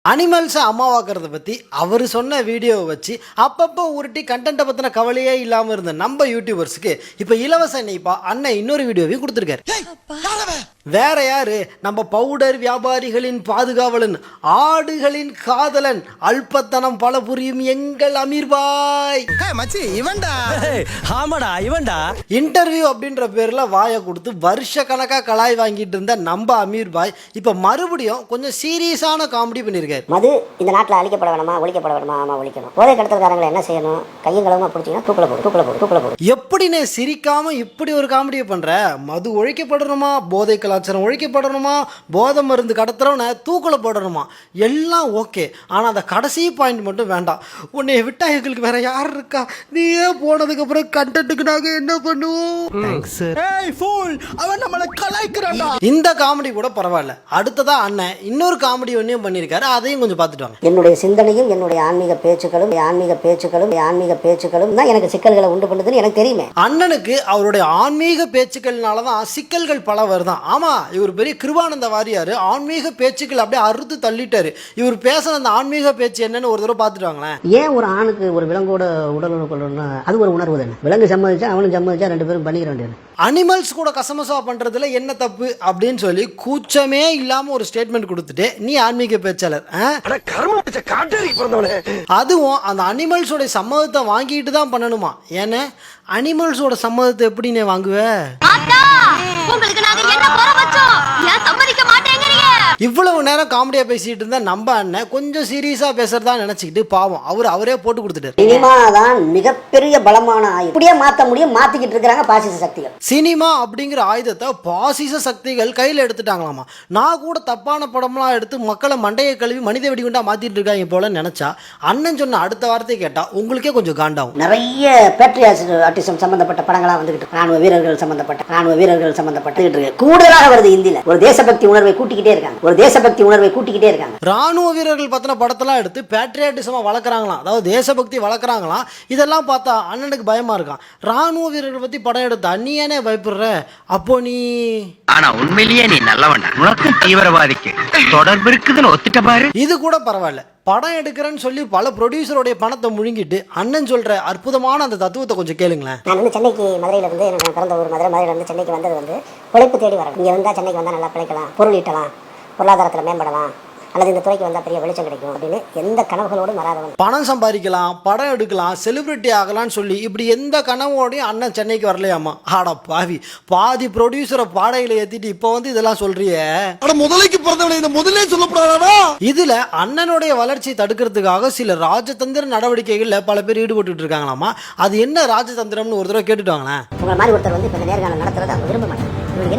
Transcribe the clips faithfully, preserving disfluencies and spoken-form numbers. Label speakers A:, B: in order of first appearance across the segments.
A: அனிமல்ஸை அம்மாவாக்குறத பற்றி அவர் சொன்ன வீடியோவை வச்சு அப்பப்போ உருட்டி கண்டென்ட்டை பற்றின கவலையே இல்லாமல் இருந்த நம்ம யூடியூபர்ஸுக்கு இப்போ இலவச இணைப்பா அண்ணன் இன்னொரு வீடியோவையும் கொடுத்துருக்காரு. வேற யாரு, நம்ம பவுடர் வியாபாரிகளின் பாதுகாவலன், ஆடுகளின் காதலன், அல்பத்தனம் பல புரியும் எங்கள் அமீர் பாய். இன்டர்வியூ அப்படின்ற பேர்ல வாயை கொடுத்து வருஷ கணக்கா கலாய் வாங்கிட்டு இருந்த நம்ம அமீர் பாய் இப்ப மறுபடியும் கொஞ்சம் சீரியஸான காமெடி பண்ணிருக்காரு.
B: மது இந்த நாட்டில் அழிக்கப்பட வேணுமா, ஒழிக்கப்பட வேணுமா? ஆமா, ஒழிக்கணும். போதை கடத்தல்காரங்களை என்ன செய்யணும்? கையும் களவுமா பிடிச்சிங்கன்னா தூக்கில போடு, தூக்கில போடு, தூக்கில போடு.
A: எப்படின்னு சிரிக்காம இப்படி ஒரு காமெடியை பண்ற? மது ஒழிக்கப்படணுமா, போதை கலாச்சாரம் ஒழிக்கப்படணுமா, போதை மருந்து கடத்துறவனை தூக்கில போடணுமா, எல்லாம் ஓகே. ஆனால் அந்த கடைசி பாயிண்ட் மட்டும் வேண்டாம். உன்னை விட்டா எங்களுக்கு வேற யார் இருக்கா? நீயே போனதுக்கு அப்புறம் கண்டென்ட்டுக்கு நாங்க என்ன பண்ணுவோம்? இந்த காமெடி கூட பரவாயில்ல. அடுத்ததா அண்ணன் இன்னொரு காமெடி ஒன்றையும் பண்ணியிருக்காரு, அதையும் கொஞ்சம் பார்த்துட்டு வாங்க.
B: என்னுடைய சிந்தனையும் என்னுடைய ஆன்மீக பேச்சுக்களும் ஆன்மீக பேச்சுக்களும் ஆன்மீக பேச்சுக்களும் தான் எனக்கு சிக்கல்களை உண்டு பண்ணுதுன்னு எனக்கு தெரியுமே.
A: அண்ணனுக்கு அவருடைய ஆன்மீக பேச்சுக்கள்னால தான் சிக்கல்கள் பல வருதான். ஆமா, இவர் பெரிய கிருபானந்த வாரியார் ஆன்மீக பேச்சுக்கள் அப்படியே அறுத்து தள்ளிட்டாரு. இவர் பேசுற அந்த ஆன்மீக பேச்சு என்னன்னு ஒரு தடவை பார்த்துட்டு வாங்களேன்.
B: ஏன் ஒரு ஆணுக்கு ஒரு விலங்கோட உடல் கொள்ளணும்னா அது ஒரு உணர்வு தானே. விலங்கு சம்மதிச்சா அவனும் சம்மதிச்சா ரெண்டு பேரும் பண்ணிக்கிற வேண்டியது.
A: அனிமல்ஸ் கூட கசமசா பண்றதுல என்ன தப்பு அப்படின்னு சொல்லி கூச்சமே இல்லாம ஒரு ஸ்டேட்மெண்ட் கொடுத்துட்டு நீ ஆன்மீக பேச்சாளர், அதுவும் அந்த அனிமல்ஸோட சம்மதத்தை வாங்கிட்டு தான் பண்ணணுமா? ஏன்னா அனிமல்ஸோட சம்மதத்தை எப்படி நீ வாங்குவ? இவ்வளவு நேரம் காமெடியா பேசிட்டு இருந்தா நம்ம அண்ணன் கொஞ்சம் சீரியஸா பேசுறதா நினைச்சுக்கிட்டு பாவம் அவர் அவரே போட்டு கொடுத்துட்டாரு.
B: சினிமா தான் மிகப்பெரிய பலமான ஆயுதம். இப்படியே மாத்த முடியும், மாத்திக்கிட்டு இருக்காங்க பாசிச சக்திகள்.
A: சினிமா அப்படிங்கிற ஆயுதத்தை பாசிச சக்திகள் கையில எடுத்துட்டாங்களாமா. நான் கூட தப்பான படம்லாம் எடுத்து மக்களை மண்டையை கழுவி மனித வெடிகுண்டா மாத்திட்டு இருக்காங்க போல நினைச்சா அண்ணன் சொன்ன அடுத்த வார்த்தை கேட்டா உங்களுக்கே கொஞ்சம் காண்டாகும்.
B: நிறைய பேட்ரியாட்டிசம் சம்பந்தப்பட்ட படங்களா வந்துகிட்டு, ராணுவ வீரர்கள் சம்பந்தப்பட்ட ராணுவ வீரர்கள் சம்பந்தப்பட்டு இருக்கு. கூடுதலாக வருது இந்தியில. ஒரு தேசபக்தி உணர்வை கூட்டிக்கிட்டே இருக்காங்க. ஒரு தேசபக்தி உணர்வை கூட்டிக்கிட்டே இருக்காங்க.
A: ராணுவ வீரர்கள் பத்தின படத்தெல்லாம் எடுத்து பேட்ரியாட்டிசமா வளர்க்குறாங்களாம், அதாவது தேசபக்தி வளர்க்குறாங்களாம். இதெல்லாம் பார்த்தா அண்ணனுக்கு பயமா இருக்கான். ராணுவ வீரர்கள் பத்தி படம் எடுத்தா நீ ஏனே பயப்படுற? அப்போ நீ
C: ஆனா உண்மையிலேயே நீ நல்லவன்டா. உனக்கு தீவிரவாதிக்கு தொடர்பு இருக்குதுன்னு ஒத்துட்ட பாரு.
A: இது கூட பரவாயில்ல. படம் எடுக்கிறேன்னு சொல்லி பல ப்ரொடியூசருடைய பணத்தை முழுங்கிட்டு அண்ணன் சொல்ற அற்புதமான அந்த தத்துவத்தை கொஞ்சம் கேளுங்களேன்.
B: நான் வந்து சென்னைக்கு மதுரையில இருந்து எனக்கு பிறந்த ஒரு மதுரை மதுரையில இருந்து சென்னைக்கு வந்தது வந்து உழைப்பு தேடி வரணும். இங்க வந்தா சென்னைக்கு வந்தா நல்லா பிழைக்கலாம், பொருள் ஈட்டலாம், பொருளாதாரத்தில் மேம்படலாம், அல்லது இந்த துறைக்கு வந்தால் பெரிய வெளிச்சம் கிடைக்கும் அப்படின்னு எந்த கனவுகளோடும் வராதவன்.
A: பணம் சம்பாதிக்கலாம், படம் எடுக்கலாம், செலிபிரிட்டி ஆகலாம்னு சொல்லி இப்படி எந்த கனவோடையும் அண்ணன் சென்னைக்கு வரலையாமா. ஆடா பாவி, பாதி ப்ரொடியூசரை பாடையில ஏத்திட்டு இப்போ வந்து இதெல்லாம் சொல்றியே.
D: முதலைக்கு பிறந்தவனை இந்த முதலே சொல்லப்படாதா?
A: இதுல அண்ணனுடைய வளர்ச்சி தடுக்கிறதுக்காக சில ராஜதந்திர நடவடிக்கைகள்ல பல பேர் ஈடுபட்டு இருக்காங்களாமா. அது என்ன ராஜதந்திரம்னு ஒரு தடவை கேட்டுட்டு வாங்களேன்.
B: உங்களை மாதிரி ஒருத்தர் வந்து இப்ப நேர்காணல் நடத்துறது அவங்க விரும்ப மாட்டாங்க.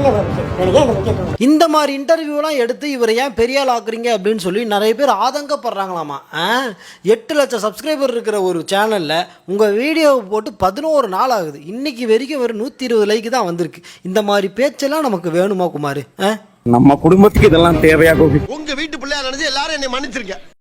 A: இந்த மாதிரி இன்டர்வியூலாம் எடுத்து இவரை ஏன் பெரிய ஆள் ஆக்குறீங்க அப்படின்னு சொல்லி நிறைய பேர் ஆதங்கப்படுறாங்களாமா. எட்டு லட்சம் சப்ஸ்கிரைபர் இருக்கிற ஒரு சேனல்ல உங்க வீடியோவை போட்டு பதினோரு நாள் ஆகுது, இன்னைக்கு வரைக்கும் ஒரு நூத்தி இருபது லைக் தான் வந்திருக்கு. இந்த மாதிரி பேச்செல்லாம் நமக்கு வேணுமா குமார்?
E: நம்ம குடும்பத்துக்கு இதெல்லாம் தேவையா?
D: உங்க வீட்டு பிள்ளையா நினைச்சு எல்லாரும் என்னை மன்னிச்சிருக்க.